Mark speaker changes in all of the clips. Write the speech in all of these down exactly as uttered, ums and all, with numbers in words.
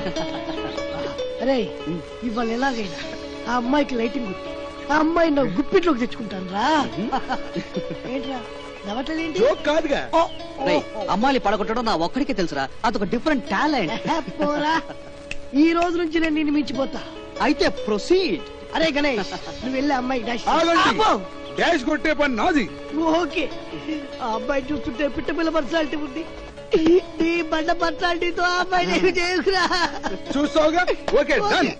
Speaker 1: అరే ఇవాళ ఎలాగైనా ఆ అమ్మాయికి లైటింగ్ గుర్తి ఆ అమ్మాయి నా గుప్పిట్లోకి తెచ్చుకుంటాను రా. ఏంట్రా నవ్వట్లేదేంటి?
Speaker 2: కాదుగా
Speaker 3: అమ్మాయిని పడగొట్టడం నా ఒక్కడికే తెలుసురా, అదొక డిఫరెంట్ టాలెంట్.
Speaker 1: పోరా, ఈ రోజు నుంచి నేను నిన్ను మించిపోతా.
Speaker 3: అయితే ప్రొసీడ్.
Speaker 1: అరే గణేష్, నువ్వు వెళ్ళి అమ్మాయి డాష్
Speaker 2: డాష్ కొట్టే పని నాది.
Speaker 1: ఓకే. ఆ అబ్బాయి చూస్తుంటే పిట్ట పిల్ల పర్సనాలిటీ ఉంది. నీ బండ పర్సనాలిటీతో ఆ అబ్బాయి నేను చేసుకురా.
Speaker 2: చూస్తావుగా. Okay done.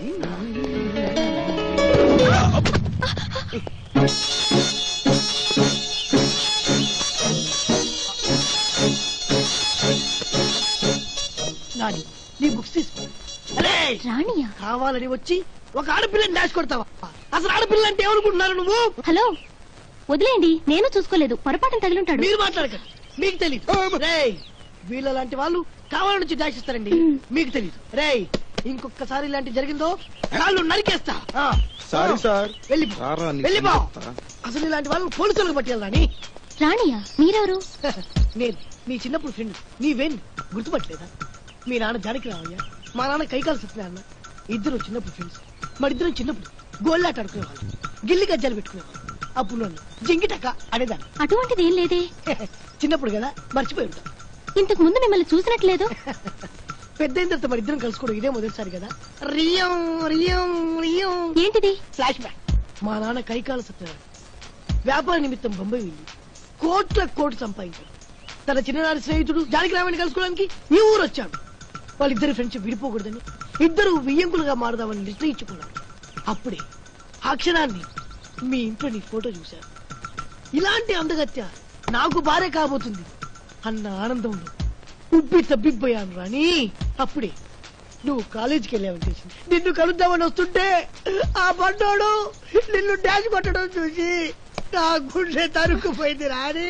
Speaker 1: నాని, నీ బుక్స్ తీసుకో.
Speaker 4: రాణియా
Speaker 1: కావాలని వచ్చి ఒక ఆడపిల్లని డాష్ కొడతావా? అసలు ఆడపిల్ల అంటే ఏమనుకుంటున్నారు నువ్వు?
Speaker 4: హలో వదిలేయండి, నేను చూసుకోలేదు, పొరపాటున తగిలింటాడు.
Speaker 1: మీరు మాట్లాడకండి, మీకు తెలియదు. రేయ్, వీళ్ళ లాంటి వాళ్ళు కావాలని వచ్చి డాష్ ఇస్తారండి, మీకు తెలియదు. రేయ్, ఇంకొకసారి ఇలాంటి జరిగిందో కాళ్ళు నరికేస్తా.
Speaker 2: Sorry sir.
Speaker 1: వెళ్ళిపో వెళ్ళిపో. అసలు ఇలాంటి వాళ్ళు పోలీసులకు పట్టేయాలని.
Speaker 4: రాణియా మీరెవరు?
Speaker 1: నేను నీ చిన్నప్పుడు ఫ్రెండ్, నీ వెన్ గుర్తుపట్టలేదా? మీ నాన్న జానకి రావయ్యా, మా నాన్న కైకాల సత్యనారాయణ. ఇద్దరు చిన్నప్పుడు ఫ్రెండ్స్. మరిద్దరం చిన్నప్పుడు గోళ్ళాట ఆడుకునేవాళ్ళు, గిల్లి గజ్జాలు పెట్టుకునేవాళ్ళు. అప్పుడు నన్ను జింగిటక్క అనేదాన్ని.
Speaker 4: అటువంటిది ఏం లేదే.
Speaker 1: చిన్నప్పుడు కదా, మర్చిపోయి ఉంటాం.
Speaker 4: ఇంతకు ముందు మిమ్మల్ని చూసినట్లేదు.
Speaker 1: పెద్ద అయిన తర్వాత మరిద్దరం కలుసుకోవడం ఇదే మొదటిసారి కదా. రియం రియం రియం.
Speaker 4: ఏంటిది?
Speaker 1: Flashback. మా నాన్న కైకాల సత్యనారాయణ వ్యాపార నిమిత్తం బొంబాయి వెళ్ళి కోట్ల కోట్లు సంపాదించాడు. తన చిన్ననాటి స్నేహితుడు జానకి రామని కలుసుకోవడానికి ఈ ఊరు వచ్చాడు. వాళ్ళిద్దరి ఫ్రెండ్షిప్ విడిపోకూడదని ఇద్దరు వియ్యంకులుగా మారదామని నిర్ణయించుకున్నారు. అప్పుడే ఆ క్షణాన్ని మీ ఇంట్లో నీ ఫోటో చూశారు. ఇలాంటి అందగత్య నాకు భార్య కాబోతుంది అన్న ఆనందంలో ఉబ్బి తబ్బిబ్బోయాను రాని. అప్పుడే నువ్వు కాలేజీకి వెళ్ళావని తెలిసింది. నిన్ను కలుద్దామని వస్తుంటే ఆ బండోడు నిన్ను డాష్ కొట్టడం చూసి నా గుండె తరుక్కుపోయింది రాని.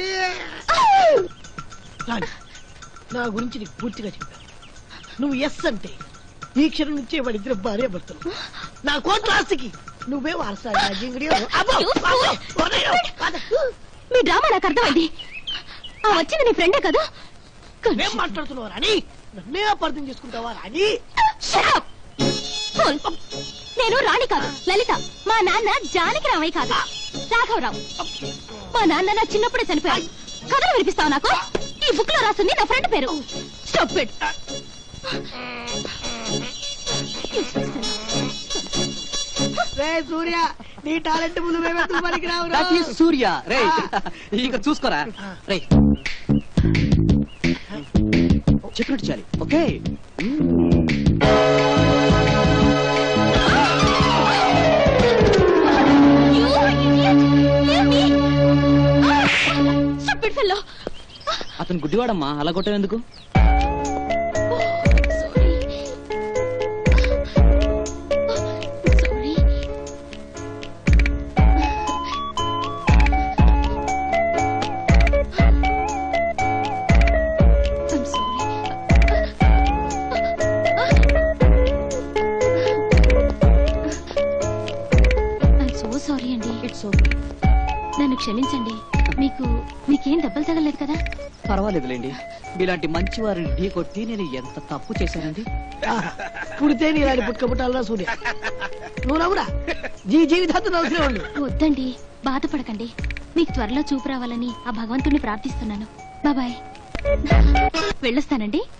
Speaker 1: రాని, నా గురించి నీకు పూర్తిగా చెప్పాను. నువ్వు ఎస్ అంటే ఈ క్షణం నుంచే వాడిద్దరు భార్య భర్తలు. నా కోట్ల ఆస్తికి నువ్వే వారసాడు.
Speaker 4: మీ డ్రామా నాకు అర్థమైంది. ఆ వచ్చింది నీ ఫ్రెండే కదా?
Speaker 1: ఏం మాట్లాడుతున్నావు రాని? నన్నే అపార్థం చేసుకుంటావా రాని?
Speaker 4: నేను రాణి కాదు, లలిత. మా నాన్న జానకి రామయ్య కాదు, రాఘవరావు. మా నాన్న నా చిన్నప్పుడే చనిపోయాడు. కథలు వినిపిస్తావు నాకు? ఈ బుక్ లో రాస్తుంది నా ఫ్రెండ్ పేరు. Stop it.
Speaker 1: సూర్య, నీ టాలెంట్ ముందు మేమెత్తు పనికి రావు.
Speaker 3: సూర్య రే, ఇక చూసుకోరా రే, చెప్పినట్టు చాలి. ఓకే, అతను గుడ్డివాడమ్మా, అలా కొట్టేందుకు?
Speaker 4: నన్ను క్షమించండి. మీకు మీకేం దెబ్బలు తగలేదు కదా?
Speaker 3: పర్వాలేదులేండి. మీలాంటి మంచి వారిని ఢీ కొట్టి నేను ఎంత తప్పు చేశానండి.
Speaker 1: పుడితే నీలాంటి పుట్టుక పుట్టాలరా సూర్య. నువ్వు నవ్వురా, జీ జీవితాంతం నవ్వుతూనే ఉండు.
Speaker 4: వద్దండి, బాధపడకండి. మీకు త్వరలో చూపు రావాలని ఆ భగవంతుడిని ప్రార్థిస్తున్నాను. బాబాయ్, వెళ్ళొస్తానండి.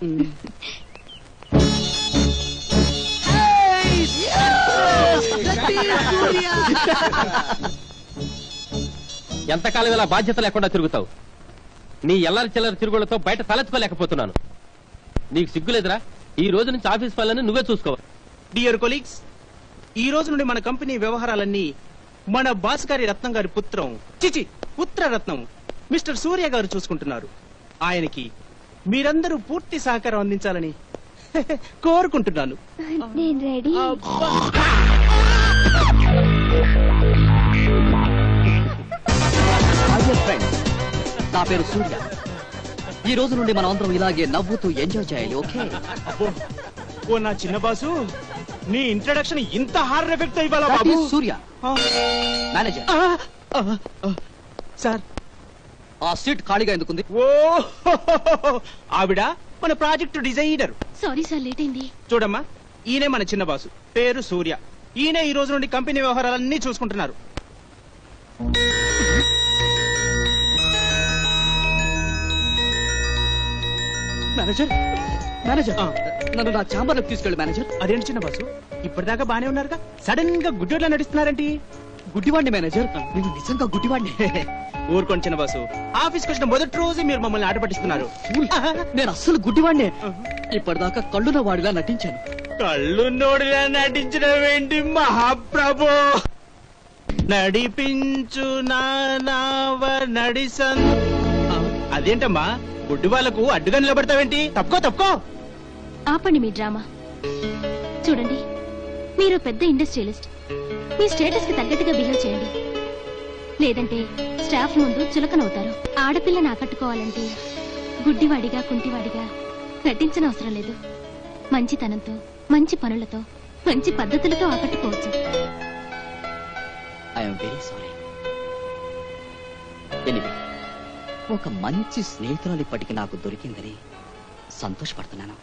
Speaker 5: ఎంతకాలం ఇలా బాధ్యత లేకుండా తిరుగుతావు? నీ ఎల్లరి చిల్లర తిరుగులతో బయట తలెత్తుకోలేకపోతున్నాను. నీకు సిగ్గులేదురా? ఈ రోజు నుంచి ఆఫీస్ పనులను నువ్వే చూసుకోవాలి.
Speaker 6: డియర్ కొలీగ్స్, ఈ రోజు నుండి మన కంపెనీ వ్యవహారాలన్నీ మన బాస్ గారి రత్నం గారి పుత్రం చిచి పుత్ర రత్నం మిస్టర్ సూర్య గారు చూసుకుంటున్నారు. ఆయనకి మీరందరూ పూర్తి సహకారం అందించాలని కోరుకుంటున్నాను.
Speaker 4: నేను రెడీ.
Speaker 3: నా పేరు సూర్య. ఈ రోజు నుండి మనం అందరం ఇలాగే నవ్వుతూ ఎంజాయ్ చేయాలి. ఓకే?
Speaker 6: ఓ నా చిన్న బాసు, నీ ఇంట్రడక్షన్ ఇంత హార్డ్ ఎఫెక్ట్ ఇవ్వాలా బాబు?
Speaker 3: సూర్య మేనేజర్.
Speaker 6: సార్,
Speaker 3: ఆ సీట్ ఖాళీగా ఎందుకుంది?
Speaker 6: ఓ ఆవిడ మన project designer.
Speaker 4: Sorry sir, late అయింది.
Speaker 6: చూడమ్మా, ఈయనే మన చిన్న బాసు, పేరు సూర్య. ఈయన ఈ రోజు నుండి కంపెనీ వ్యవహారాలన్నీ చూసుకుంటున్నారు.
Speaker 3: మేనేజర్ మేనేజర్
Speaker 6: ఆ.
Speaker 3: నన్ను నా ఛాంబర్ లోకి తీసుకెళ్ళి మేనేజర్.
Speaker 6: అదేంటి చిన్న బాసు, ఇప్పటిదాకా బానే ఉన్నారుగా, సడన్ గా గుడ్డోట్లా నడుస్తున్నారేంటి?
Speaker 3: గుడ్డివాడిని మేనేజర్, నేను నిజంగా గుడ్డివాడిని.
Speaker 6: ఊరుకోండి చిన్న బాసు, ఆఫీస్కి వచ్చిన మొదటి రోజే మీరు మమ్మల్ని ఆట పట్టిస్తున్నారు.
Speaker 3: నేను అస్సలు గుడ్డివాడిని. ఇప్పటిదాకా కళ్ళున వాడిలా నటించాను.
Speaker 6: కళ్ళు నోడిలా నటించడం ఏంటి మహాప్రభు? నడిపించు నావ నడిసన్. అదేంటమ్మా, గుడ్డి వాళ్లకు అడ్డుగా నిలబడతావేంటి? తప్పుకో తప్పుకో.
Speaker 4: ఆపండి మీ డ్రామా. చూడండి, మీరు పెద్ద ఇండస్ట్రియలిస్ట్. మీ స్టేటస్ కి తగ్గట్టుగా బిహేవ్ చేయండి, లేదంటే స్టాఫ్ ముందు చులకనవుతారు. ఆడపిల్లని ఆకట్టుకోవాలంటే గుడ్డివాడిగా కుంటివాడిగా నటించనవసరం లేదు. మంచితనంతో, మంచి పనులతో, మంచి పద్ధతులతో ఆకట్టుకోవచ్చు.
Speaker 3: I'm very sorry. ఎనివే, ఒక మంచి స్నేహితురాలు ఇప్పటికి నాకు దొరికిందని సంతోషపడుతున్నాను.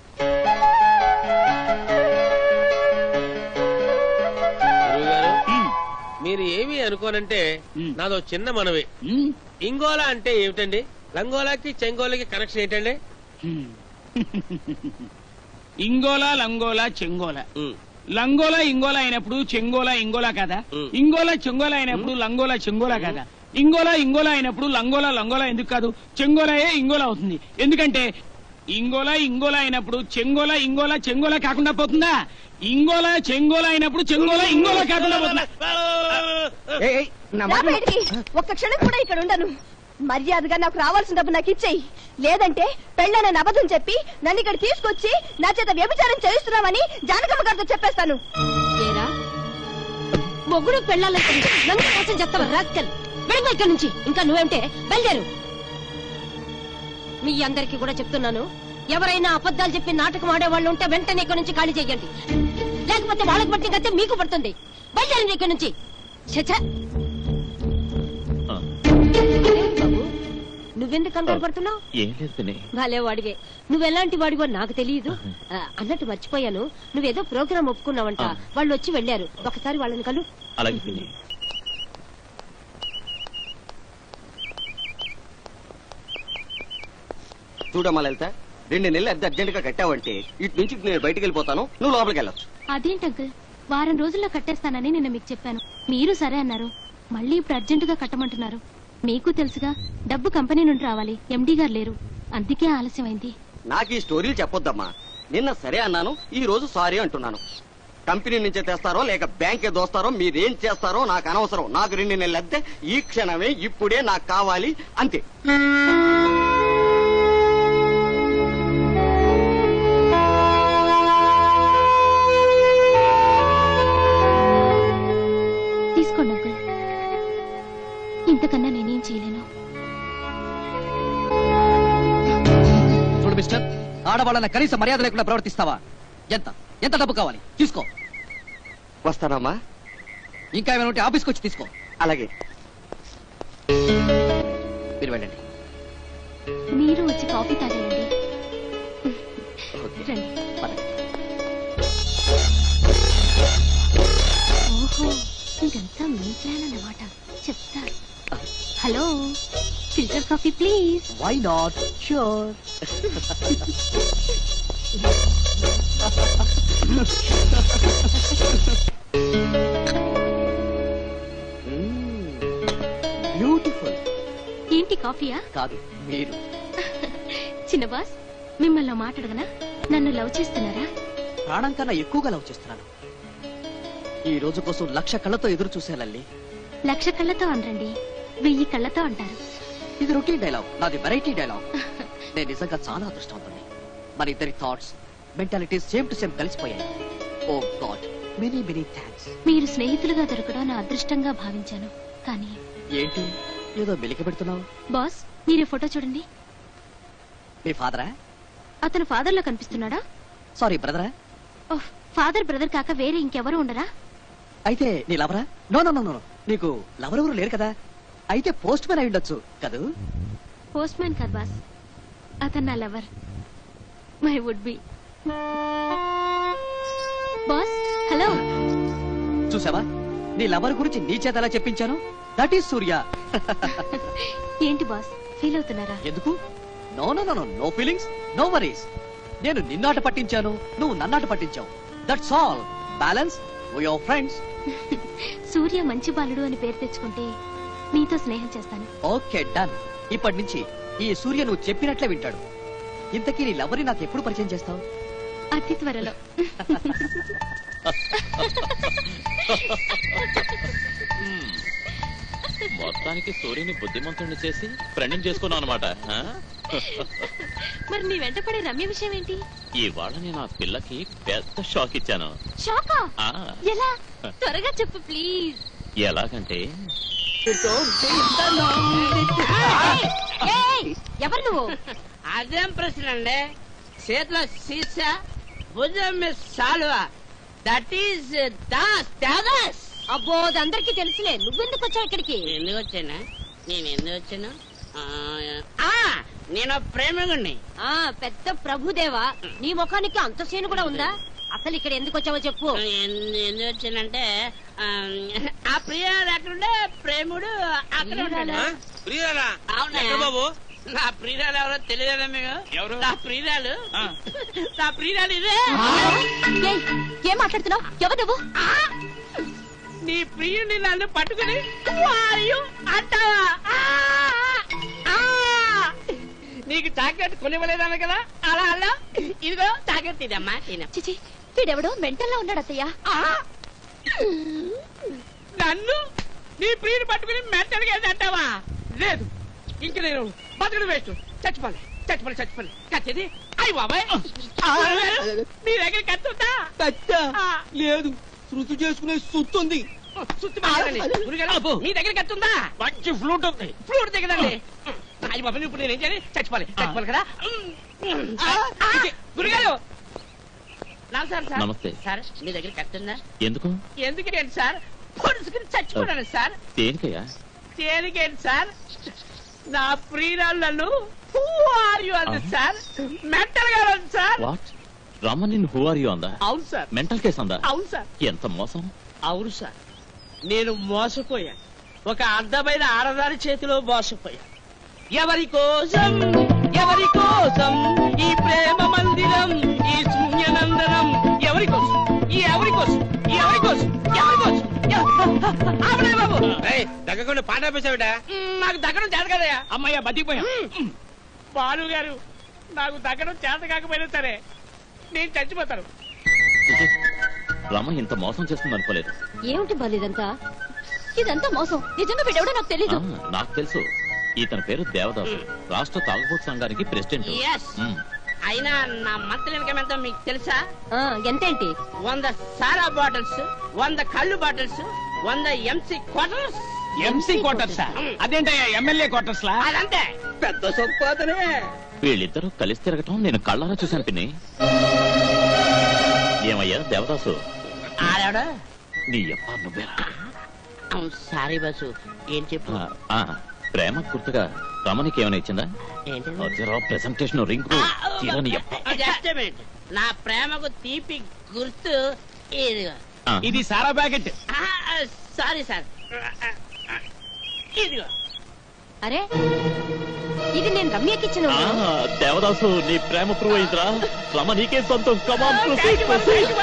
Speaker 5: మీరు ఏమి అనుకోనంటే
Speaker 3: మ్మ్.
Speaker 5: నాదో చిన్న మనవి.
Speaker 3: మ్మ్.
Speaker 5: ఇంగోలా అంటే ఏమిటండి? లంగోలాకి చెంగోలకి కనెక్షన్ ఏంటండి?
Speaker 3: హ్మ్.
Speaker 7: ఇంగోలా లంగోలా చెంగోలా.
Speaker 5: మ్మ్.
Speaker 7: లంగోలా ఇంగోలా అయినప్పుడు చెంగోలా ఇంగోలా కదా.
Speaker 5: మ్.
Speaker 7: ఇంగోలా చెంగోలా అయినప్పుడు లంగోలా చెంగోలా కదా. ఇంగోలా ఇంగోలా అయినప్పుడు లంగోలా లంగోలా ఎందుకు కాదు? చెంగోలాయే ఇంగోలా అవుతుంది. ఎందుకంటే ఇంగోలా ఇంగోలా అయినప్పుడు చెంగోలా ఇంగోలా చెంగోలా కాకుండా పోతుందా? ఇంగోలా చెంగోలా అయినప్పుడు చెంగోలా ఇంగోలా కాకుండా పోతుందా?
Speaker 8: రా బయటికి. ఒక్క క్షణం కూడా ఇక్కడ ఉండను. మర్యాదగా నాకు రావాల్సిన డబ్బు నాకు ఇచ్చేయి, లేదంటే పెళ్ళానని అబద్ధం చెప్పి నన్ను ఇక్కడ తీసుకొచ్చి నా చేత వ్యభిచారం చేయిస్తున్నామని జానకమ్మ గారితో చెప్పేస్తాను.
Speaker 4: ఏరా, మొగుడు పెళ్ళాలని నన్ను కోసం చెప్తావా రాస్కల్? వెళ్ళిపో ఇక్కడి నుంచి. ఇంకా నువ్వేంటే బయలుదేరు. మీ అందరికీ కూడా చెప్తున్నాను, ఎవరైనా అబద్ధాలు చెప్పి నాటకం ఆడేవాళ్ళు ఉంటే వెంటనే ఇక్కడి నుంచి ఖాళీ చేయండి, లేకపోతే వాళ్ళకి పట్టి కతే మీకు పడుతుంది. బయలుదేరండి ఇక్కడి నుంచి. చచ్చా, బాబు నువ్వెందుకు కంగారు పడుతున్నావు? భలే వాడివే. నువ్వెలాంటి వాడివో నాకు తెలియదు. ఆ, అన్నట్టు మర్చిపోయాను, నువ్వేదో ప్రోగ్రామ్ ఒప్పుకున్నావంట. వాళ్ళు వచ్చి వెళ్ళారు, ఒకసారి వాళ్ళని కలు.
Speaker 9: చూడమ్మా లలిత, రెండు నెలలు అద్దె అర్జెంట్ గా కట్టావంటే ఇటు నుంచి నేను బయటికి వెళ్ళిపోతాను, నువ్వు లోపలికి వెళ్ళొచ్చు.
Speaker 4: అదేంటి అంకుల్, వారం రోజుల్లో కట్టేస్తానని నిన్న మీకు చెప్పాను, మీరు సరే అన్నారు. మళ్ళీ ఇప్పుడు అర్జెంటుగా కట్టమంటున్నారు. మీకు తెలుసుగా, డబ్బు కంపెనీ నుండి రావాలి, ఎండీ గారు లేరు, అందుకే ఆలస్యమైంది.
Speaker 9: నాకు ఈ స్టోరీలు చెప్పొద్దమ్మా. నిన్న సరే అన్నాను, ఈ రోజు సారీ అంటున్నాను. కంపెనీ నుంచే తెస్తారో లేక బ్యాంకే దోస్తారో మీరేం చేస్తారో నాకు అనవసరం. నాకు రెండు నెలలు అద్దె ఈ క్షణమే ఇప్పుడే నాకు కావాలి, అంతే.
Speaker 4: తీసుకోండి అంకుల్, ఇంతకన్నా నేనేం చేయలేను.
Speaker 3: చూడు మిస్టర్, ఆడవాళ్ళని కనీస మర్యాద లేకుండా ప్రవర్తిస్తావా? ఎంత ఎంత డబ్బు కావాలి తీసుకో.
Speaker 9: వస్తానమ్మా.
Speaker 3: ఇంకా ఏమైనా ఉంటే ఆఫీస్కి వచ్చి తీసుకో.
Speaker 9: అలాగే.
Speaker 3: మీరు వెళ్ళండి.
Speaker 4: మీరు వచ్చి కాఫీ తాగండి.
Speaker 3: ఓకే.
Speaker 4: రండి.
Speaker 3: పదండి.
Speaker 4: ఓహో, ఇదంతా మీ ప్లాన్ అన్నమాట. చెప్తా. Hello, filter coffee please.
Speaker 3: Why not? Sure. Beautiful.
Speaker 4: ఏంటి కాఫీయా?
Speaker 3: కాదు, మీరు.
Speaker 4: చిన్న బాస్, మిమ్మల్ని మాట్లాడగనా? నన్ను లవ్ చేస్తున్నారా?
Speaker 3: ప్రాణం కన్నా ఎక్కువగా లవ్ చేస్తున్నాను. ఈ రోజు కోసం లక్ష కళ్ళతో ఎదురు చూసే లల్లి.
Speaker 4: లక్ష కళ్ళతో అనరండి, వెయ్యి కళ్ళతో అంటారు.
Speaker 3: ఇది రొటీన్ డైలాగ్, నాది వెరైటీ డైలాగ్. నేను నిజంగా చాలా అదృష్టవంతుని. మన ఇద్దరి thoughts, mentalities same to same కలిసిపోయాయి. Oh God, many many thanks.
Speaker 4: మీరు స్నేహితులుగా దొరకడం నా అదృష్టంగా భావించాను. కానీ
Speaker 3: ఏంటి ఏదో మెలిక పెడుతున్నావు?
Speaker 4: బాస్, మీరు ఫోటో చూడండి.
Speaker 3: మీ ఫాదరా?
Speaker 4: అతను ఫాదర్ లో కనిపిస్తున్నాడా?
Speaker 3: సారీ, బ్రదరా?
Speaker 4: ఓహ్, ఫాదర్ బ్రదర్ కాక వేరే ఇంకెవరు ఉండరా?
Speaker 3: అయితే నీ లవరా? నో నో నో నో, నీకు లవరెవరు లేరు కదా. అయితే పోస్ట్ మ్యాన్ అయి ఉండొచ్చు కదూ?
Speaker 4: పోస్ట్ మ్యాన్ కాదు బాస్, అతను నా lover, my would be. Boss hello.
Speaker 3: చూసావా, నీ లవర్ గురించి నీ చేత ఎలా చెప్పించాను? దట్ ఈస్ సూర్య.
Speaker 4: ఏంటి బాస్ ఫీల్ అవుతున్నారా?
Speaker 3: ఎందుకు? No no no no feelings, no worries. నేను నిన్నాట పట్టించాను, నువ్వు నన్నాట పట్టించావు. That's all. Balance, we are friends.
Speaker 4: Surya మంచి బాలుడు అని పేరు తెచ్చుకుంటే నీతో స్నేహం చేస్తాను.
Speaker 3: Okay done. ఇప్పటి నుంచి ఈ సూర్య నువ్వు చెప్పినట్లే వింటాడు. ఇంతకీ నీ లవరి నాకు ఎప్పుడు పరిచయం చేస్తావు?
Speaker 4: అతి త్వరలో.
Speaker 10: మొత్తానికి సూర్యుని బుద్ధిమంతుడిని చేసి ఫ్రెండ్ చేసుకున్నావు అనమాట.
Speaker 4: మరి నీ వెంట పడే రమ్య విషయం ఏంటి?
Speaker 10: ఇవాళ నేను ఆ పిల్లకి పెద్ద షాక్ ఇచ్చాను.
Speaker 4: షాకా?
Speaker 10: ఆ,
Speaker 4: ఎలా? త్వరగా చెప్పు ప్లీజ్.
Speaker 10: ఎలాగంటే
Speaker 4: ఎవరు నువ్వు?
Speaker 11: అదేం ప్రశ్న అండి? చేతిలో సీసా, భుజం మీద సాలువా, దట్ ఈస్ దాస్ దాదాస్.
Speaker 4: అబ్బో అందరికి తెలుసులే, నువ్వెందుకు వచ్చావు ఇక్కడికి?
Speaker 11: ఎందుకు వచ్చానా? నేను ఎందుకు వచ్చాను? ఆ, నేను ప్రేమికుణ్ణి.
Speaker 4: ఆ పెద్ద ప్రభుదేవా, నీ ముఖానికి అంత సేను కూడా ఉందా? అసలు ఇక్కడ ఎందుకు వచ్చావో చెప్పు.
Speaker 11: ఎందు- ఎందుకు వచ్చానంటే ఆ, ఆ ప్రియురాలు ఎక్కడుండే ప్రేముడు అక్కడ ఉంటాడు. అవునా బాబు? నా ప్రియురాలు ఎవరో తెలియదా మీకు? ఎవరు? నా ప్రియురాలు, నా ప్రియురాలు ఇదే.
Speaker 4: ఏయ్, ఏం మాట్లాడుతున్నావు? ఎవరు నువ్వు?
Speaker 11: నీ ప్రియుని నన్ను పట్టుకుని వాయు అంటావా? ఆ! ఆ! నీకు చాక్లెట్ కొనివ్వలేదన్న కదా, అలా అలా ఇదిగో చాక్లెట్ తినమ్మా, తిన.
Speaker 4: చిచి, వీడెవడో మెంటల్లో ఉన్నాడు అత్తయ్య.
Speaker 11: నన్ను నీ ప్రియుని పట్టుకుని మెంటల్గా అంటావా? లేదు, ఇంక నేను బతుకుడు వేస్ట్. చచ్చిపోలే చచ్చిపోలే చచ్చిపోలే కచ్చేది. అయ్యి బాబాయ్, మీ దగ్గర కత్తుందా?
Speaker 6: లేదు, శృతి చేసుకునే సుత్తుంది.
Speaker 11: మీ దగ్గర కత్తుందా? మంచి ఫ్లూట్ ఉంది. ఫ్లూట్ దగ్గరండి. అయ్యి బాబాయ్, ఇప్పుడు నేనేం చేయాలి? చచ్చిపోలే చచ్చిపోలే కదా. గురుగారు నమస్కారం సార్.
Speaker 10: నమస్తే
Speaker 11: సార్, మీ దగ్గర కత్తుందా?
Speaker 10: ఎందుకు?
Speaker 11: ఎందుకేంటి సార్? పొడుచుకుని చచ్చిపోయాను సార్.
Speaker 10: దేనికయ్యా?
Speaker 11: దేనికేంటి సార్? నా ప్రియురాలు నన్ను హూ ఆర్ యు అంది సార్. మెంటల్ గా ఉంది సార్.
Speaker 10: వాట్? రమ్మ నిన్ను హూ ఆర్ యు అందా?
Speaker 11: అవును సార్.
Speaker 10: మెంటల్ కేసు అందా?
Speaker 11: అవును సార్.
Speaker 10: ఎంత మోసం.
Speaker 11: అవును సార్, నేను మోసపోయా. ఒక అందమైన ఆడదాని చేతిలో మోసపోయా. ఎవరి కోసం ఎవరి కోసం ఈ ప్రేమ మందిరం, ఈ శూన్యనందనం? ఎవరి కోసం? ఈ ఎవరి కోసం? ఈ ఎవరి కోసం? ఎవరి కోసం? ఆవిడే బాబు,
Speaker 7: దగ్గకుండా పాట ఆపేసావిట.
Speaker 11: నాకు దగ్గడం చేత కదయా.
Speaker 7: అమ్మయ్య బతికిపోయా.
Speaker 11: బాలు గారు, నాకు దగ్గడం చేత కాకపోయినా సరే నేను చచ్చిపోతాను.
Speaker 10: రమ్మ ఇంత మోసం చేస్తుంది అనుకోలేదు.
Speaker 4: ఏమిటి బాలు ఇదంతా? ఇదంతా మోసం. నిజంగా వీడెవడో నాకు తెలీదు.
Speaker 10: ఆ, నాకు తెలుసు. ఇతని పేరు దేవదాసు, రాష్ట్ర తాగుబోతు సంఘానికి ప్రెసిడెంట్.
Speaker 11: Yes. అయినా నా మంత్లీ ఇన్కమ్ ఎంతో మీకు తెలుసా?
Speaker 4: ఎంతేంటి?
Speaker 11: వంద సారా బాటిల్స్, వంద కళ్ళు బాటిల్స్, వంద ఎంసీ క్వార్టర్స్.
Speaker 7: MC quarters? అదేంటయ్యా ఎమ్మెల్యే క్వార్టర్స్ లా?
Speaker 11: అదంతే, పెద్ద సంపాదనే.
Speaker 10: వీళ్ళిద్దరూ కలిసి తిరగటం నేను కళ్ళారా చూశాను పిన్ని. ఏమయ్యా దేవదాసు?
Speaker 11: ఆడాడా?
Speaker 10: నీ అప్ప నువ్వేరా?
Speaker 11: సారీ బస్సు, ఏం చెప్పు?
Speaker 10: ఆ, ప్రేమ గుర్తుగా రమణికి ఏమైనా ఇచ్చిందా? ప్రెసెంటేషన్ రింగ్ తీరని అప్ప.
Speaker 11: Just a minute. నా ప్రేమకు తీపి గుర్తు ఇదిగో.
Speaker 7: ఇది సారా ప్యాకెట్.
Speaker 11: సారీ సార్, ఇదిగో.
Speaker 4: అరే, ఇది నేను రమ్యకి ఇచ్చిన.
Speaker 10: దేవదాసు, నీ ప్రేమ ప్రూవ్ అయిందిరా. రమ నీకే సొంతం. Come on proceed proceed.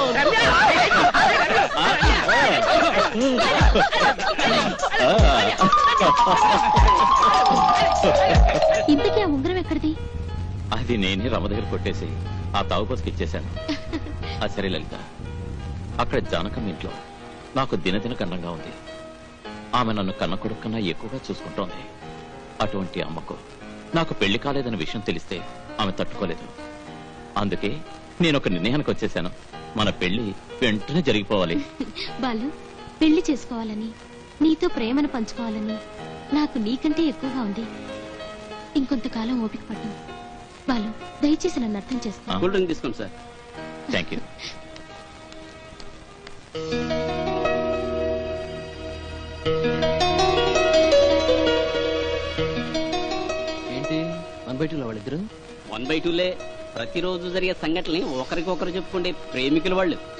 Speaker 4: ఇంతకీ ఆ ఉంగరం ఎక్కడిది?
Speaker 10: అది నేనే రమ దగ్గర కొట్టేసి ఆ తాగుబోతుకి ఇచ్చేశాను. ఆ సరే లలిత, అక్కడ జానకమ్మ ఇంట్లో నాకు దినదిన కన్నంగా ఉంది. ఆమె నన్ను కన్న కొడుకు కన్నా ఎక్కువగా చూసుకుంటోంది. అటువంటి అమ్మకు నాకు పెళ్లి కాలేదన్న విషయం తెలిస్తే ఆమె తట్టుకోలేదు. అందుకే నేను ఒక నిర్ణయానికి వచ్చేసాను. మన పెళ్లి వెంటనే జరిగిపోవాలి.
Speaker 4: బాలు, పెళ్లి చేసుకోవాలని, నీతో ప్రేమను పంచుకోవాలని నాకు నీకంటే ఎక్కువగా ఉంది. ఇంకొంతకాలం ఓపిక పట్టు బాలు. దయచేసి నన్ను అర్థం చేసుకో.
Speaker 10: కూల్ డ్రింక్ తీసుకోండి sir. Thank you.
Speaker 3: One by two లో వాళ్ళిద్దరు
Speaker 12: వన్ బై టూలే ప్రతిరోజు జరిగే సంఘటనని ఒకరికొకరు చెప్పుకుంటే ప్రేమికుల వాళ్ళు